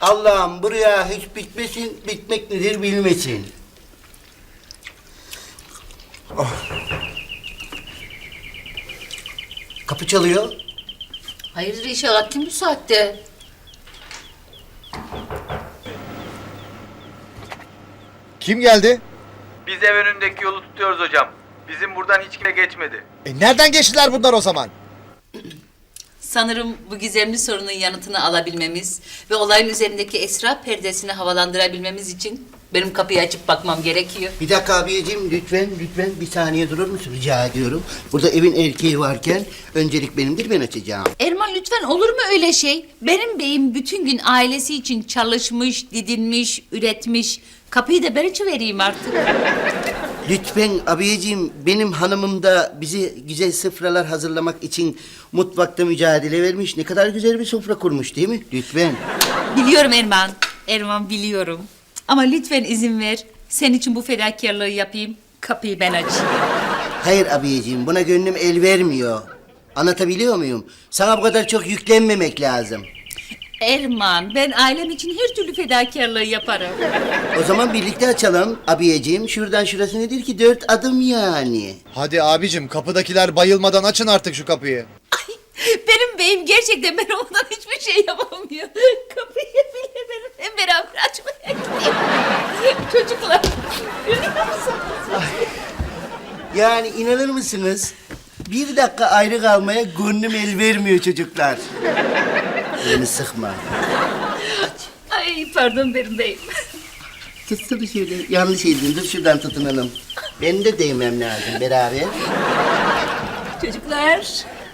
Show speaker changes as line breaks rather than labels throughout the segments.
Allah'ım buraya hiç bitmesin, bitmek nedir bilmesin. Oh. Kapı çalıyor.
Hayırdır inşallah, kim bu saatte?
Kim geldi?
Biz ev önündeki yolu tutuyoruz hocam. Bizim buradan hiç kimse geçmedi.
Nereden geçtiler bunlar o zaman?
Sanırım bu gizemli sorunun yanıtını alabilmemiz ve olayın üzerindeki esrar perdesini havalandırabilmemiz için benim kapıyı açıp bakmam gerekiyor.
Bir dakika abiyeciğim, lütfen bir saniye durur musun rica ediyorum. Burada evin erkeği varken öncelik benimdir, ben açacağım.
Erman lütfen, olur mu öyle şey? Benim beyim bütün gün ailesi için çalışmış, didinmiş, üretmiş. Kapıyı da ben açıvereyim artık.
Lütfen abiyeciğim, benim hanımım da bize güzel sofralar hazırlamak için mutfakta mücadele vermiş. Ne kadar güzel bir sofra kurmuş değil mi? Lütfen.
Biliyorum Erman. Erman biliyorum. Ama lütfen izin ver. Senin için bu fedakarlığı yapayım. Kapıyı ben açayım.
Hayır abiyeciğim, buna gönlüm el vermiyor. Anlatabiliyor muyum? Sana bu kadar çok yüklenmemek lazım.
Erman, ben ailem için her türlü fedakarlığı yaparım.
O zaman birlikte açalım abiyeciğim. Şuradan şurası nedir ki? 4 adım yani.
Hadi abicim, kapıdakiler bayılmadan açın artık şu kapıyı.
Ay, benim beyim gerçekten ben ondan hiçbir şey yapamıyor. Kapıyı bile benimle beraber açmaya gidiyor. Çocuklar, görüyor musunuz?
Yani inanır mısınız? 1 dakika ayrı kalmaya gönlüm el vermiyor çocuklar. Beni sıkma.
Ay pardon benim beyim.
Tutsana şöyle. Yanlış eldin. Dur şuradan tutunalım. Ben de değmem lazım beraber.
Çocuklar.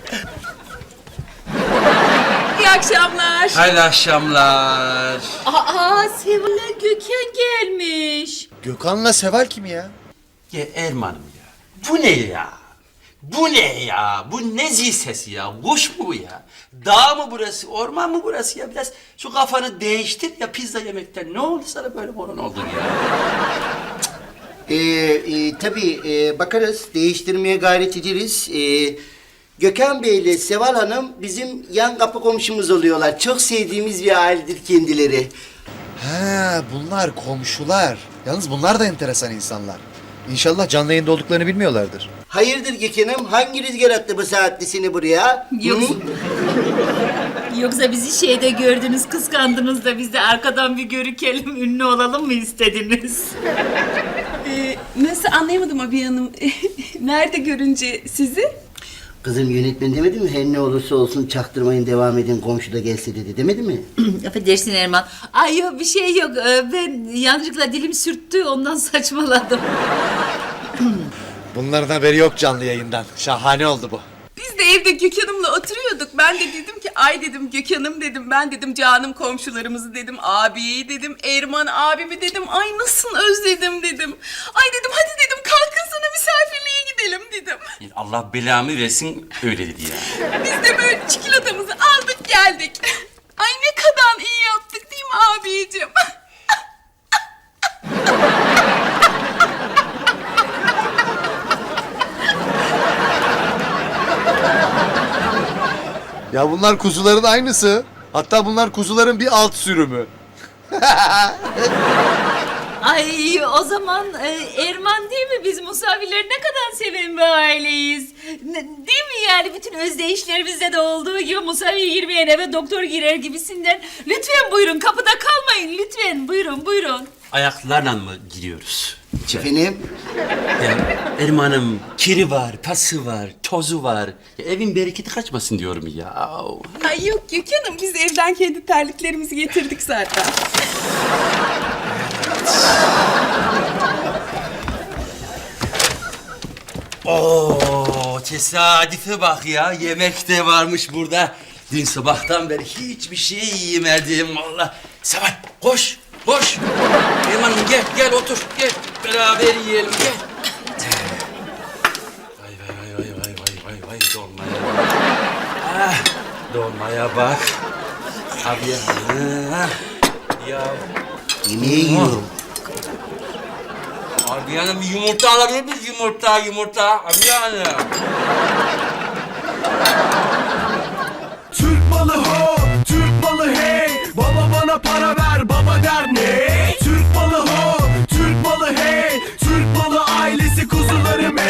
İyi akşamlar.
Hayırlı akşamlar.
Aa, Seval'le Gökhan gelmiş.
Gökhan'la Seval kim ya?
Ya Erman'ım ya. Bu ne ya? Bu ne ya? Bu ne zil sesi ya? Kuş mu bu ya? Dağ mı burası? Orman mı burası ya? Biraz şu kafanı değiştir ya, pizza yemekten. Ne oldu sana, böyle moron oldun ya?
Tabii bakarız. Değiştirmeye gayret ederiz. Gökhan Bey ile Seval Hanım bizim yan kapı komşumuz oluyorlar. Çok sevdiğimiz bir ailedir kendileri.
Ha, bunlar komşular. Yalnız bunlar da enteresan insanlar. İnşallah canlı yayında olduklarını bilmiyorlardır.
Hayırdır Gökhan'ım? Hangi rüzgar attı bu saatte seni buraya?
Yok.
Hı?
Yoksa bizi şeyde gördünüz, kıskandınız da biz de arkadan bir görükelim, ünlü olalım mı istediniz?
Nasıl, anlayamadım abi hanım. Nerede görünce sizi?
Kızım yönetmen demedi mi? Her ne olursa olsun çaktırmayın, devam edin, komşu da gelse dedi, demedi mi?
Affedersin Erman. Ay yok, bir şey yok. Ben yanlışlıkla dilim sürttü, ondan saçmaladım.
Bunların haberi yok canlı yayından. Şahane oldu bu.
Biz de evde Gökhan'ımla oturuyorduk. Ben de dedim ki ay dedim Gökhan'ım dedim. Ben dedim canım komşularımızı dedim. Abi dedim, Erman abimi dedim. Ay nasıl özledim dedim. Ay dedim hadi dedim kalkın sana misafirliğe gidelim dedim.
Allah belamı versin, öyle dedi ya.
Biz de böyle çikolatamızı aldık geldik. Ay ne kadar iyi yaptık değil mi abicim?
Ya bunlar kuzuların aynısı. Hatta bunlar kuzuların bir alt sürümü.
Ay o zaman Erman değil mi? Biz Musavileri ne kadar seven bir aileyiz. Değil mi yani, bütün özdeyişlerimizde de olduğu gibi Musavi girmeyen eve doktor girer gibisinden. Lütfen buyurun, kapıda kalmayın lütfen, buyurun.
Ayaklarla mı giriyoruz?
Efendim?
Ya Erman'ım, kiri var, pası var, tozu var. Ya, evin bereketi kaçmasın diyorum ya.
Ay yok Gökhan'ım, biz evden kendi terliklerimizi getirdik zaten.
Oo, tesadüfe bak ya. Yemek de varmış burada. Dün sabahtan beri hiçbir şey yemedim valla. Seval koş. Erman'ım gel otur. Gel beraber yiyelim gel. Vay dolmaya bak. Ah, dolmaya bak. Abi ya.
Yemeği yiyorum.
Abi bir yumurta alabilir miyiz? Yumurta. Abi